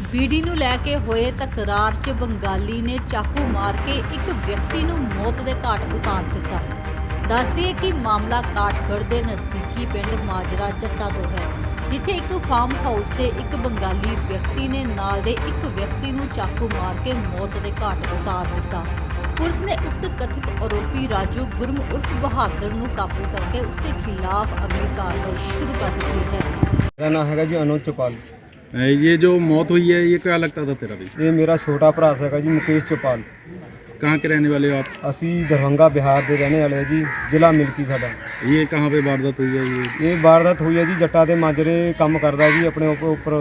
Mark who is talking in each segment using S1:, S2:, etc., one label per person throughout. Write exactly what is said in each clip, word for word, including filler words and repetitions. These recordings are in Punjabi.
S1: ਬੀੜੀ ਨੂੰ ਲੈ ਕੇ ਹੋਏ ਤਕਰਾਰ 'ਚ ਬੰਗਾਲੀ ਨੇ ਚਾਕੂ ਮਾਰ ਕੇ ਇੱਕ ਵਿਅਕਤੀ ਨੂੰ ਮੌਤ ਦੇ ਘਾਟ ਉਤਾਰ ਦਿੱਤਾ। ਦੱਸਦੀ ਹੈ ਕਿ ਮਾਮਲਾ ਕਾਠਗੜ੍ਹ ਦੇ ਨਜ਼ਦੀਕੀ ਪਿੰਡ ਮਾਜਰਾ ਜੱਟਾ ਤੋਂ ਹੈ, ਜਿੱਥੇ ਇੱਕ ਫਾਰਮ ਹਾਊਸ ਤੇ ਇੱਕ ਬੰਗਾਲੀ ਵਿਅਕਤੀ ਨੇ ਨਾਲ ਦੇ ਇੱਕ ਵਿਅਕਤੀ ਨੂੰ ਚਾਕੂ ਮਾਰ ਕੇ ਮੌਤ ਦੇ ਘਾਟ ਉਤਾਰ ਦਿੱਤਾ। ਪੁਲਿਸ ਨੇ ਉਕਤ ਕਥਿਤ ਆਰੋਪੀ ਰਾਜੂ ਗੁਰਮ ਉਰਫ ਬਹਾਦਰ ਨੂੰ ਕਾਬੂ करके उसके खिलाफ अगली कार्रवाई शुरू कर दी है।
S2: मेरा नाम है जी अनुज चौपाल।
S3: ये जो मौत हुई है ये क्या लगता था तेरा भी?
S2: ये मेरा छोटा भरा है जी मुकेश चौपाल।
S3: कहाँ के रहने वाले हो आप?
S2: असी दरभंगा बिहार के रहने वाले जी, जिला मिल्की साडा।
S3: ये कहाँ पे वारदात हुई है? ये
S2: ये वारदात हुई है जी जट्टा दे माजरे काम करदा जी, अपने उपर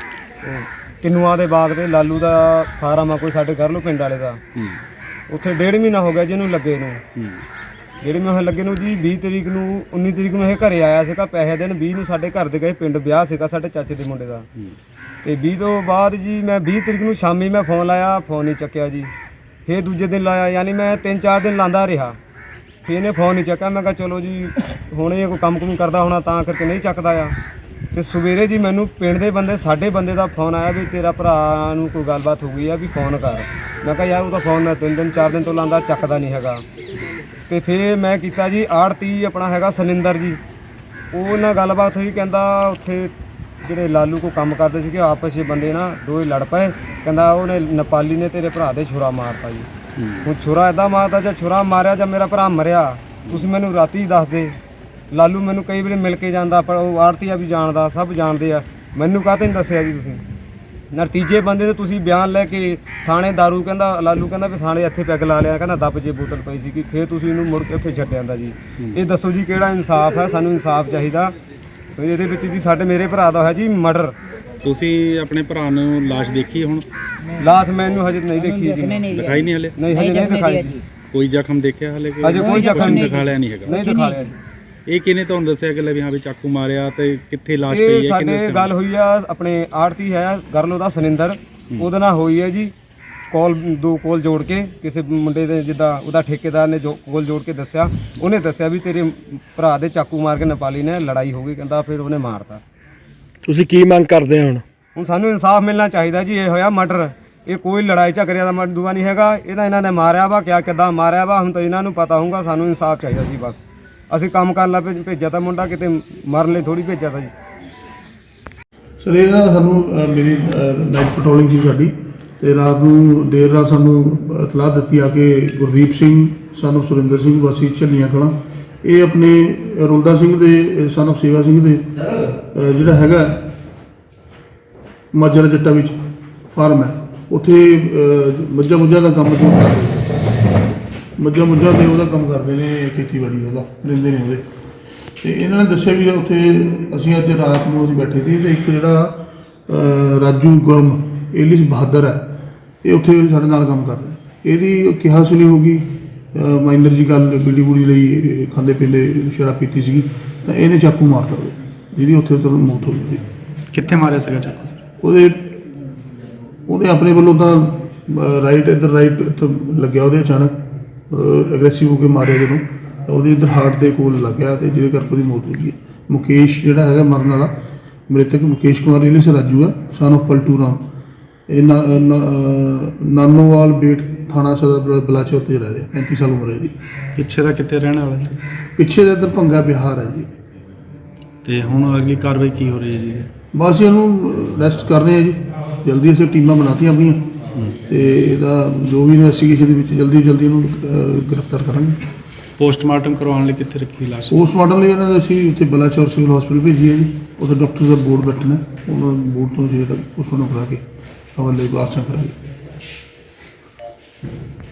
S2: किन्नुआ दे बाग ते लालू दा फार्म आ कोई साडे घर लो पिंड वाले दा। उत्थे डेढ़ महीना हो गया जिन्होंने लगे नूं। डेढ़ महीने लगे नूं जी। बीस तरीक नूं उन्नीस तरीक नूं ਇਹ ਘਰੇ ਆਇਆ ਸੀਗਾ ਪੈਸੇ ਦੇਣ। बीस ਨੂੰ ਸਾਡੇ ਘਰ ਦੇ ਗਏ ਪਿੰਡ ਵਿਆਹ ਸੀਗਾ ਸਾਡੇ ਚਾਚੇ ਦੇ ਮੁੰਡੇ ਦਾ। ਤੇ बीस ਤੋਂ ਬਾਅਦ ਜੀ ਮੈਂ बीस ਤਰੀਕ ਨੂੰ ਸ਼ਾਮੀ ਮੈਂ ਫੋਨ ਲਾਇਆ, ਫੋਨ ਨਹੀਂ ਚੱਕਿਆ ਜੀ। ਫਿਰ ਦੂਜੇ ਦਿਨ ਲਾਇਆ, ਯਾਨੀ ਮੈਂ ਤਿੰਨ ਚਾਰ ਦਿਨ ਲਾਂਦਾ ਰਿਹਾ। ਫਿਰ ਇਹਨੇ ਫੋਨ ਨਹੀਂ ਚੱਕਿਆ। ਮੈਂ ਕਿਹਾ ਚਲੋ ਜੀ ਹੁਣ ਇਹ ਕੋਈ ਕੰਮ ਕੁਮ ਕਰਦਾ ਹੋਣਾ ਤਾਂ ਕਰਕੇ ਨਹੀਂ ਚੱਕਦਾ ਆ। ਤੇ ਸਵੇਰੇ ਜੀ ਮੈਨੂੰ ਪਿੰਡ ਦੇ ਬੰਦੇ ਸਾਡੇ ਬੰਦੇ ਦਾ ਫੋਨ ਆਇਆ ਵੀ ਤੇਰਾ ਭਰਾ ਨੂੰ ਕੋਈ ਗੱਲਬਾਤ ਹੋ ਗਈ ਆ ਵੀ ਫੋਨ ਕਰ। ਮੈਂ ਕਿਹਾ ਯਾਰ ਉਹ ਤਾਂ ਫੋਨ ਮੈਂ ਤਿੰਨ ਦਿਨ ਚਾਰ ਦਿਨ ਤੋਂ ਲਾਂਦਾ ਚੱਕਦਾ ਨਹੀਂ ਹੈਗਾ। ਤੇ ਫਿਰ ਮੈਂ ਕੀਤਾ ਜੀ ਆੜਤੀ ਆਪਣਾ ਹੈਗਾ ਸੁਨਿੰਦਰ ਜੀ, ਉਹ ਨਾਲ ਗੱਲਬਾਤ ਹੋਈ। ਕਹਿੰਦਾ ਉੱਥੇ ਜਿਹੜੇ ਲਾਲੂ ਕੋ ਕੰਮ ਕਰਦੇ ਸੀਗੇ ਆਪਸ ਵਿੱਚ ਬੰਦੇ ਨਾ ਦੋਏ ਲੜ ਪਏ। ਕਹਿੰਦਾ ਉਹਨੇ ਨੇਪਾਲੀ ਨੇ ਤੇਰੇ ਭਰਾ ਦੇ ਛੁਰਾ ਮਾਰਤਾ ਜੀ। ਹੁਣ ਛੁਰਾ ਇੱਦਾਂ ਮਾਰਦਾ ਜਾਂ ਛੁਰਾ ਮਾਰਿਆ ਜਾਂ ਮੇਰਾ ਭਰਾ ਮਰਿਆ ਤੁਸੀਂ ਮੈਨੂੰ ਰਾਤੀ ਦੱਸ ਦੇ। ਲਾਲੂ ਮੈਨੂੰ ਕਈ ਵਾਰੀ ਮਿਲ ਕੇ ਜਾਂਦਾ, ਪਰ ਉਹ ਆੜਤੀਆ ਵੀ ਜਾਣਦਾ, ਸਭ ਜਾਣਦੇ ਆ। ਮੈਨੂੰ ਕਾਹਤੇ ਨਹੀਂ ਦੱਸਿਆ ਜੀ ਤੁਸੀਂ? ਨਤੀਜੇ ਬੰਦੇ ਨੇ ਤੁਸੀਂ ਬਿਆਨ ਲੈ ਕੇ ਥਾਣੇ ਦਾਰੂ ਕਹਿੰਦਾ ਲਾਲੂ ਕਹਿੰਦਾ ਵੀ ਥਾਣੇ ਇੱਥੇ ਪੈਗ ਲਾ ਲਿਆ, ਕਹਿੰਦਾ ਦੱਬ ਜੇ ਬੋਤਲ ਪਈ ਸੀ ਕਿ ਫਿਰ ਤੁਸੀਂ ਇਹਨੂੰ ਮੁੜ ਕੇ ਉੱਥੇ ਛੱਡ ਆਂਦਾ ਜੀ। ਇਹ ਦੱਸੋ ਜੀ ਕਿਹੜਾ ਇਨਸਾਫ ਹੈ? ਸਾਨੂੰ ਇਨਸਾਫ ਚਾਹੀਦਾ। ਇਹਦੇ ਵਿੱਚ ਜੀ ਸਾਡੇ ਮੇਰੇ ਭਰਾ ਦਾ ਹੋਇਆ ਜੀ ਮਰਡਰ।
S3: ਤੁਸੀਂ ਆਪਣੇ ਭਰਾ ਨੂੰ ਲਾਸ਼ ਦੇਖੀ? ਹੁਣ
S2: ਲਾਸ਼ ਮੈਨੂੰ ਹਜੇ ਨਹੀਂ ਦੇਖੀ ਜੀ।
S3: ਦਿਖਾਈ ਨਹੀਂ ਹਲੇ?
S2: ਨਹੀਂ ਹਜੇ ਨਹੀਂ ਦਿਖਾਈ ਜੀ।
S3: ਕੋਈ ਜ਼ਖਮ ਦੇਖਿਆ ਹਲੇ?
S2: ਹਜੇ ਕੋਈ ਜ਼ਖਮ ਨਹੀਂ
S3: ਦਿਖਾ ਲਿਆ ਨਹੀਂ ਹੈਗਾ।
S2: ਨਹੀਂ ਦਿਖਾ ਲਿਆ ਜੀ।
S3: ਇਹ ਕਿਹਨੇ ਤੁਹਾਨੂੰ ਦੱਸਿਆ ਕਿ ਲੈ ਵੀ ਹਾਂ ਵੀ ਚਾਕੂ ਮਾਰਿਆ ਤੇ ਕਿੱਥੇ ਲਾਸ਼ ਪਈ
S2: ਇਹ
S3: ਹੈ?
S2: ਸਾਡੇ ਗੱਲ ਹੋਈ ਆ ਆਪਣੇ ਆੜਤੀ ਹੈ ਗਰਲੋ ਦਾ ਸੁਨਿੰਦਰ, ਉਹਦੇ ਨਾਲ ਹੋਈ ਹੈ ਜੀ ਕਾਲ। ਦੋ ਕਾਲ ਜੋੜ ਕੇ ਕਿਸੇ ਮੁੰਡੇ ਦੇ ਜਿੱਦਾਂ ਉਹਦਾ ਠੇਕੇਦਾਰ ਨੇ ਜੋ ਕਾਲ ਜੋੜ ਕੇ ਦੱਸਿਆ, ਉਹਨੇ ਦੱਸਿਆ ਵੀ ਤੇਰੇ ਭਰਾ ਦੇ ਚਾਕੂ ਮਾਰ ਕੇ ਨੇਪਾਲੀ ਨੇ ਲੜਾਈ ਹੋ ਗਈ। ਕਹਿੰਦਾ ਫਿਰ ਉਹਨੇ ਮਾਰਤਾ।
S4: ਤੁਸੀਂ ਕੀ ਮੰਗ ਕਰਦੇ ਹੋ ਹੁਣ?
S2: ਹੁਣ ਸਾਨੂੰ ਇਨਸਾਫ ਮਿਲਣਾ ਚਾਹੀਦਾ ਜੀ। ਇਹ ਹੋਇਆ ਮਰਡਰ, ਇਹ ਕੋਈ ਲੜਾਈ ਝਗੜਿਆ ਦਾ ਮਰਦੂਆ ਨਹੀਂ ਹੈਗਾ। ਇਹਦਾ ਇਹਨਾਂ ਨੇ ਮਾਰਿਆ ਵਾ, ਕਿਆ ਕਿੱਦਾਂ ਮਾਰਿਆ ਵਾ ਹੁਣ ਤਾਂ ਇਹਨਾਂ ਨੂੰ ਪਤਾ ਹੋਊਗਾ। ਸਾਨੂੰ ਇਨਸਾਫ ਚਾਹੀਦਾ ਜੀ ਬਸ। ਅਸੀਂ ਕੰਮ ਕਰਨ ਲਾ ਭੇਜਿਆ ਤਾਂ ਮੁੰਡਾ, ਕਿਤੇ ਮਰਨ ਲਈ ਥੋੜੀ ਭੇਜਿਆ ਤਾਂ ਜੀ।
S5: ਸਰ ਇਹ ਨਾ ਸਾਨੂੰ ਅ, ਮੇਰੀ ਨਾਈਟ ਪੈਟਰੋਲਿੰਗ ਸੀ ਸਾਡੀ, ਤੇ ਰਾਤ ਨੂੰ ਦੇਰ ਰਾਤ ਸਾਨੂੰ ਇਤਲਾਹ ਦਿੱਤੀ ਆ ਕਿ ਗੁਰਦੀਪ ਸਿੰਘ ਸਾਨੂੰ ਸੁਰਿੰਦਰ ਸਿੰਘ ਵਾਸੀ ਝੱਲੀਆਂ ਕਲਾਂ, ਇਹ ਆਪਣੇ ਰੁਲਦਾ ਸਿੰਘ ਦੇ ਸਾਨੂੰ ਸੇਵਾ ਸਿੰਘ ਦੇ ਅ, ਜਿਹੜਾ ਹੈਗਾ ਮਾਜਰਾ ਜੱਟਾ ਵਿੱਚ ਫਾਰਮ ਹੈ, ਉੱਥੇ ਮੱਝਾਂ ਮੁੱਝਾਂ ਦਾ ਕੰਮ ਕਰਦੇ ਮੱਝਾਂ ਮੁੱਝਾਂ ਤੇ ਉਹਦਾ ਕੰਮ ਕਰਦੇ ਨੇ, ਖੇਤੀਬਾੜੀ ਉਹਦਾ ਰਹਿੰਦੇ ਨੇ ਉਹਦੇ। ਤੇ ਇਹਨਾਂ ਨੇ ਦੱਸਿਆ ਵੀ ਉੱਥੇ ਅਸੀਂ ਅੱਜ ਰਾਤ ਨੂੰ ਅਸੀਂ ਬੈਠੇ ਸੀ ਤੇ ਇੱਕ ਜਿਹੜਾ ਰਾਜੂ ਗੁਰਮ ਏਲਿਸ ਬਹਾਦਰ ਹੈ, ਇਹ ਉੱਥੇ ਸਾਡੇ ਨਾਲ ਕੰਮ ਕਰਦਾ। ਇਹਦੀ ਕਿਹਾ ਸੁਣੀ ਹੋਊਗੀ ਮਾਈਨਰ ਜੀ ਗੱਲ, ਬੀੜੀ ਬੂੜੀ ਲਈ ਖਾਂਦੇ ਪੀਂਦੇ ਸ਼ਰਾਬ ਪੀਤੀ ਸੀਗੀ ਤਾਂ ਇਹਨੇ ਚਾਕੂ ਮਾਰਤਾ ਉਹਦੇ, ਜਿਹਦੀ ਉੱਥੇ ਤੋਂ ਮੌਤ ਹੋ ਗਈ।
S3: ਕਿੱਥੇ ਮਾਰਿਆ ਸੀਗਾ ਚਾਕੂ ਸਰ?
S5: ਉਹਦੇ ਉਹਦੇ ਆਪਣੇ ਵੱਲੋਂ ਤਾਂ ਰਾਈਟ ਇੱਧਰ ਰਾਈਟ ਇੱਥੇ ਲੱਗਿਆ ਉਹਦੇ, ਅਚਾਨਕ ਐਗਰੈਸਿਵ ਹੋ ਕੇ ਮਾਰਿਆ ਜਦੋਂ, ਉਹਦੇ ਇੱਧਰ ਹਾਰਟ ਦੇ ਕੋਲ ਲੱਗਿਆ ਤੇ ਜਿਹਦੇ ਕਰਕੇ ਉਹਦੀ ਮੌਤ ਹੋ ਗਈ। ਮੁਕੇਸ਼ ਜਿਹੜਾ ਹੈਗਾ ਮਰਨ ਵਾਲਾ ਮ੍ਰਿਤਕ ਮੁਕੇਸ਼ ਕੁਮਾਰ ਏਲਿਸ ਰਾਜੂ ਆ, ਸਨ ਆਫ ਪਲਟੂ ਰਾਮ, ਇਹ ਨਾਨੋਵਾਲ ਬੇਟ ਥਾਣਾ ਸਦਰ ਬਲਾਚੌਰ ਤੇ ਰਹਿ ਰਿਹਾ, ਪੈਂਤੀ ਸਾਲ ਉਮਰ ਹੈ ਜੀ।
S3: ਪਿੱਛੇ ਦਾ ਕਿੱਥੇ ਰਹਿਣ ਵਾਲਾ ਸੀ?
S5: ਪਿੱਛੇ ਦਾ ਇੱਧਰ ਭੰਗਾ ਬਿਹਾਰ ਹੈ ਜੀ।
S3: ਤੇ ਹੁਣ ਅਗਲੀ ਕਾਰਵਾਈ ਕੀ ਹੋ ਰਹੀ ਹੈ ਜੀ?
S5: ਬਸ ਇਹਨੂੰ ਅਰੈਸਟ ਕਰ ਰਹੇ ਆ ਜੀ, ਜਲਦੀ ਅਸੀਂ ਟੀਮਾਂ ਬਣਾਤੀਆਂ ਆਪਣੀਆਂ ਤੇ ਇਹਦਾ ਜੋ ਵੀ ਇਨਵੈਸਟੀਗੇਸ਼ਨ ਦੇ ਵਿੱਚ ਜਲਦੀ ਜਲਦੀ ਇਹਨੂੰ ਗ੍ਰਿਫਤਾਰ ਕਰਾਂਗੇ।
S3: ਪੋਸਟਮਾਰਟਮ ਕਰਵਾਉਣ ਲਈ ਕਿੱਥੇ ਰੱਖੀ ਲਾਸ਼?
S5: ਪੋਸਟਮਾਰਟਮ ਲਈ ਇਹਨਾਂ ਦਾ ਅਸੀਂ ਉੱਥੇ ਬਲਾਚੌਰ ਸਿਵਲ ਹਸਪੀਟਲ ਭੇਜੀ ਹੈ ਜੀ। ਉੱਥੇ ਡਾਕਟਰ ਦਾ ਬੋਰਡ ਬੈਠਣਾ, ਉਹਨਾਂ ਬੋਰਡ ਤੋਂ ਜਿਹੜਾ ਪੋਸਟਮਾਰਟਮ ਕਰਾ ਕੇ ਹਵਾਲੇ ਲਾਸ਼ਾਂ ਕਰਾਂਗੇ।